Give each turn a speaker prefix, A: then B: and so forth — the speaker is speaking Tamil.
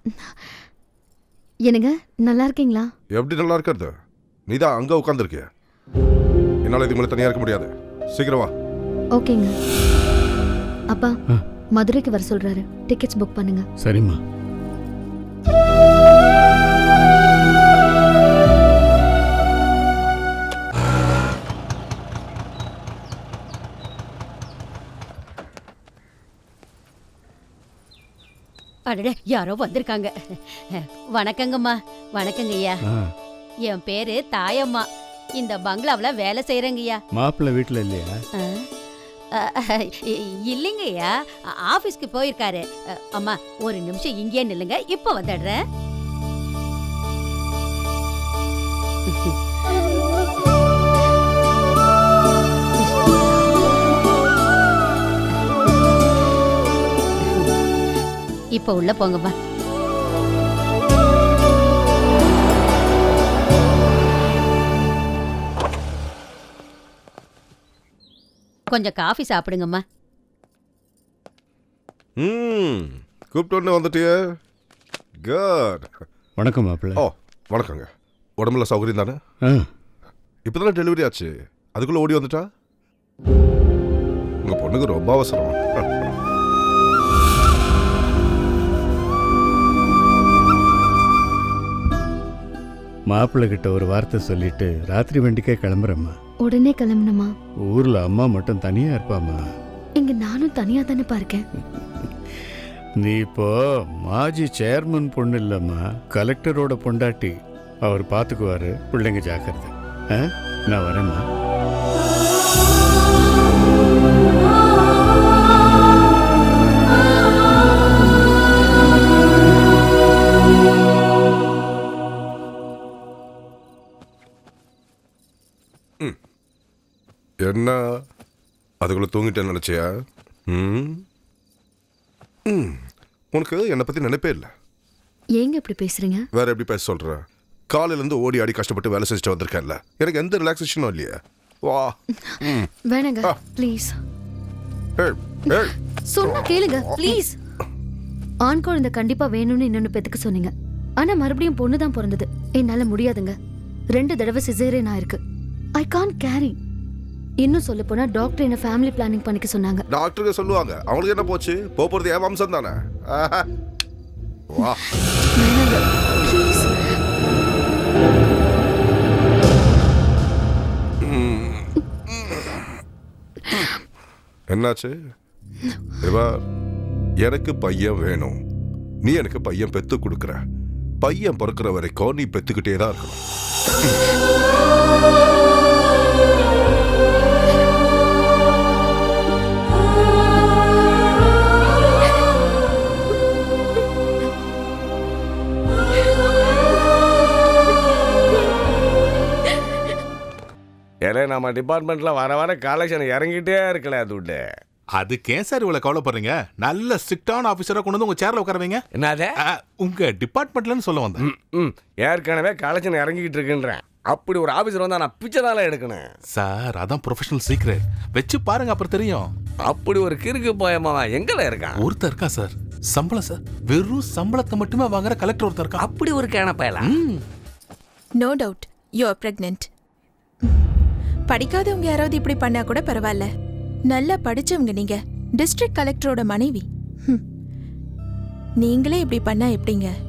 A: என்னங்க நல்லா இருக்கீங்களா?
B: எப்படி நல்லா இருக்கிறது? நீ தான் அங்கே உட்காந்துருக்கிய. என்னால் இதுக்கு மேலே தனியாக இருக்க முடியாது. சீக்கிரம் வா.
A: ஓகேங்க. அப்பா மதுரைக்கு வர சொல்றாரு. டிக்கெட்ஸ் புக் பண்ணுங்க.
C: சரிம்மா.
D: அடடே, யாரோ வந்திருக்காங்க. வணக்கங்கம்மா. வணக்கங்க ஐயா. என் பேரு தாயம்மா. இந்த பங்களாவுல வேலை செய்யறேங்கய்யா.
C: மாப்பிள்ளை வீட்டுல இல்லையா?
D: இல்லைங்க ஐயா, ஆபீஸ்க்கு போயிருக்காரு. அம்மா ஒரு நிமிஷம் இங்கே நில்லுங்க, இப்ப வந்துடுறேன். இப்ப உள்ள போங்கம்மா. கொஞ்சம் காஃபி சாப்பிடுங்கம்மா.
B: கூப்பிட்டு வந்துட்டிய. குட்.
C: வணக்கம் மாப்பிள்ளை.
B: ஓ வணக்கங்க. உடம்புல சௌகரியம் தானே? இப்போதானே டெலிவரி ஆச்சு, அதுக்குள்ளே ஓடி வந்துட்டா? உங்கள் பொண்ணுக்கு ரொம்ப அவசரம்.
C: மாப்பிள்ளை கிட்ட ஒரு வார்த்தை சொல்லிட்டு ராத்திரி வண்டிக்கே கிளம்புறேம்மா.
A: உடனே கிளம்பணுமா?
C: ஊர்ல அம்மா மட்டும் தனியா இருப்பாமா.
A: இங்க நானும் தனியா தானே இருக்கேன்.
C: நீ இப்போ மாஜி சேர்மன் பொண்ணு இல்லம்மா, கலெக்டரோட பொண்டாட்டி. அவர் பார்த்துக்குவாரு. பிள்ளைங்க ஜாக்கிரதை. நான் வரேம்மா.
B: என்ன அதுக்குள்ள தூங்கிட்டேன்னு நினைச்சியா? உனக்கு என்னை பத்தி நினைப்பே இல்லை.
A: ஏங்க இப்படி பேசுறீங்க?
B: வேற எப்படி பேச சொல்ற? காலையில இருந்து ஓடி ஆடி கஷ்டப்பட்டு வேலை செஞ்சுட்டு வந்திருக்கேன்ல, எனக்கு எந்த ரிலாக்ஸேஷனும் இல்லையா? வா.
A: வேணாங்க ப்ளீஸ். சொன்னா கேளுங்க ப்ளீஸ். ஆண் குழந்தை கண்டிப்பா வேணும்னு இன்னொன்னு பெத்துக்க சொன்னீங்க. ஆனா மறுபடியும் பொண்ணு தான் பிறந்தது. என்னால முடியாதுங்க. 2 தடவை சிசேரியன் ஆயிருக்கு. I can't carry. இன்னும் சொல்ல போனா டாக்டர் என்ன ஃபேமிலி பிளானிங் பண்ணிக்க சொன்னாங்க.
B: டாக்டருக்கு சொல்லுவாங்க, அவங்களுக்கு என்ன போச்சு? போறது என் வம்சம் தானே. வா.
A: ப்ளீஸ்.
B: என்னாச்சு? எனக்கு பையன் வேணும். நீ எனக்கு பையன் பெத்து கொடுக்குற. பையன் பிறக்கிற வரைக்கும் நீ பெத்துக்கிட்டே தான் இருக்கணும்.
E: ஏன்னா நம்ம டிபார்ட்மெண்ட்ல வர கலெக்ஷன் இறங்கிட்டே இருக்கல. துட்டு
F: அதுக்கே சார் இவ்வளவு கவலைப்படுறீங்க? நல்ல ஸ்ட்ரிக்டான ஆபீசரா கொண்டு வந்து உங்க சேர்ல உட்காரவீங்க.
E: என்னது?
F: உங்க டிபார்ட்மெண்ட்லன்னு சொல்ல வந்தேன்.
E: ஏற்கனவே கலெக்ஷன் இறங்கிட்டு இருக்குன்றேன். அப்படி ஒரு ஆபீசர் வந்தா நான் பிச்சை தானே எடுக்கணும்
F: சார். அதான் ப்ரொஃபஷனல் சீக்ரெட். வச்சு பாருங்க, அப்புறம் தெரியும்.
E: அப்படி ஒரு கிறுக்கு பயமா எங்கல இருக்கான்?
F: ஒருத்தர் இருக்கா சார். சம்பளம் சார், வெறும் சம்பளத்தை மட்டுமே வாங்குற கலெக்டர் ஒருத்தர் இருக்கா.
E: அப்படி ஒரு கேன பயலா?
G: No doubt you are pregnant. படிக்காதவங்க யாராவது இப்படி பண்ணா கூட பரவாயில்ல. நல்லா படிச்சவங்க நீங்க. டிஸ்ட்ரிக்ட் கலெக்டரோட மனைவி. நீங்களே இப்படி பண்ணா எப்படிங்க?